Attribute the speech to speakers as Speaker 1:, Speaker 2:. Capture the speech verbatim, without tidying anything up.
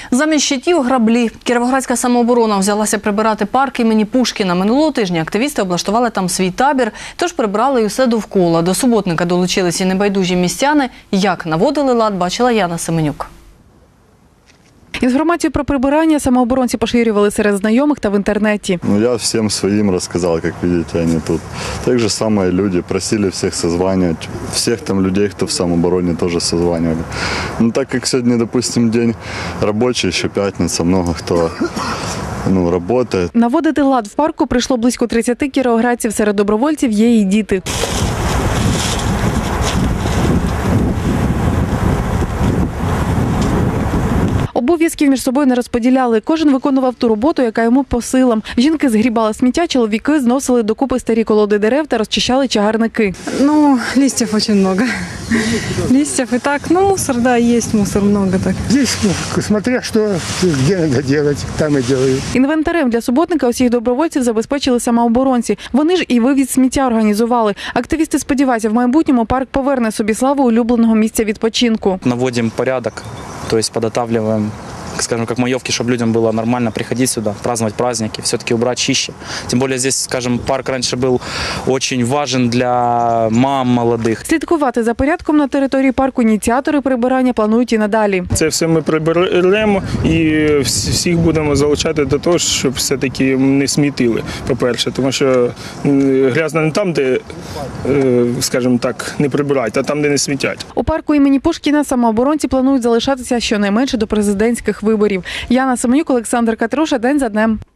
Speaker 1: Замість щитів – граблі. Кіровоградська самооборона взялася прибирати парк імені Пушкіна. Минулого тижня активісти облаштували там свій табір, тож прибрали й усе довкола. До суботника долучились і небайдужі містяни. Як наводили лад, бачила Яна Семенюк.
Speaker 2: Інформацію про прибирання самооборонці поширювали серед знайомих та в інтернеті.
Speaker 3: Ну, я всем своим рассказал, как видите, они тут. Так же самое люди просили всех созванивать. Всех там людей, кто в самообороне, тоже созванивали. Ну, так как сегодня, допустим, день рабочий, еще пятница, много кто ну, работает.
Speaker 2: Наводити лад в парку прийшло близько тридцяти кіровоградців. Серед добровольців є і діти. Обов'язків між собою не розподіляли. Кожен виконував ту роботу, яка йому по силам. Жінки згрібали сміття, чоловіки зносили докупи старі колоди дерев та розчищали чагарники.
Speaker 4: Ну, листьев очень много. Листьев и так, ну, мусор, да, есть мусор много так.
Speaker 5: Здесь, ну, смотря что, где надо делать, там и делают.
Speaker 2: Інвентарем для суботника усіх добровольців забезпечили самооборонці. Вони ж і вивіз сміття організували. Активісти сподіваються, в майбутньому парк поверне собі славу улюбленого місця відпочинку.
Speaker 6: Наводим порядок, то есть подготавливаем, скажем, как маевки, чтобы людям было нормально приходить сюда, праздновать праздники, все-таки убрать чище. Тем более здесь, скажем, парк раньше был очень важен для мам молодых.
Speaker 2: Слідкувати за порядком на території парку ініціатори прибирання планують і надалі.
Speaker 7: Це все ми приберемо і всіх будемо залучати до того, щоб все-таки не смітили, по-перше. Тому що грязно не там, де, скажімо так, не прибирають, а там, де не смітять.
Speaker 2: У парку імені Пушкіна самооборонці планують залишатися щонайменше до президентських виборів. Яна Семенюк, Олександр Катруша. День за днем.